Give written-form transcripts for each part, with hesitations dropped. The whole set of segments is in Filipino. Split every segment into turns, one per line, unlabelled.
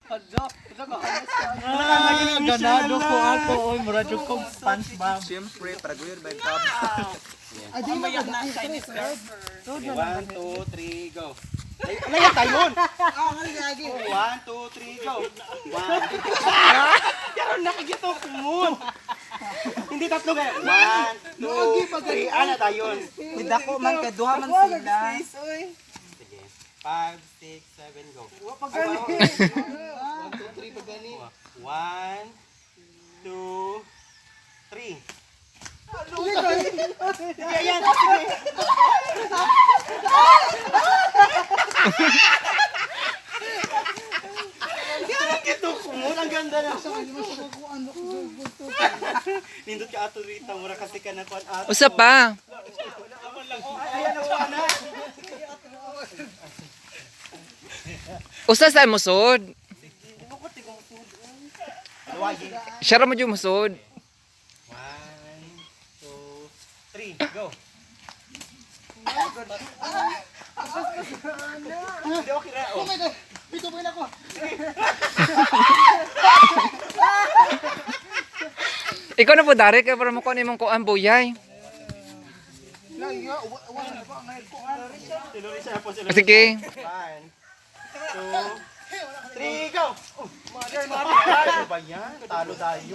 Ganado ko ako. Oy, mura jud ko SpongeBob.
Siyempre, para guyod ba yung tab?
Ay, di ba na Chinese girl?
1, 2, 3, go.
Layan tayon.
Ah, ang lagi.
1, 2, 3, go. 1, 2,
Karon nakikita ko moon. Hindi tatlo kay.
1, 2, 3. Ana tayon.
Hindi ako man kay duha man sila.
Sige. 5, 6, 7, go.
Pagani. 1, 2, 3 pagani.
1, 2, 3.
Sige yan. Nakikita ko moon ang ganda na.
Nindot ka ato rito. Mura kasi ka na kuan ato.
Usa pa.
Ayan ang ana.
Usa sa musod.
Luwagi.
Share mo jud musod.
1, 2, 3, go. Hindi okay na.
Oh my God. Dito ba ako?
Ikaw na po dari kay para mo kuan imong kuan buyay.
Lagi nga. Wala pa. Ngayon ko.
Sinuri siya po sila.
Sige.
1, 2, 3, go. Mother. Ano ba yan? Talo tayo.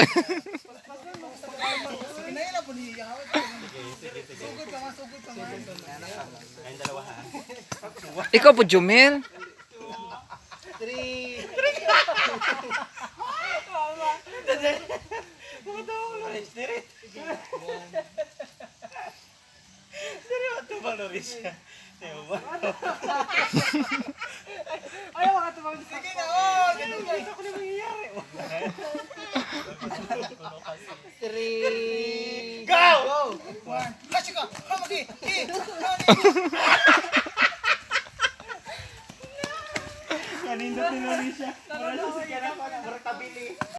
Kinaila po niya.
Sige.
Sugod ka nga. Sugod ka nga.
Ayun dalawa ha.
Ikaw po Jumel.
3. Seryoso ba Lorisha?
Ayaw mga tumang.
Sige na. Oh, ganun nga.
Ako na mangyayari.
3.
Go!
Kasi ka. Hamagi.
Kanindot ni Lorisha. Mura siya sa kaya na tabili.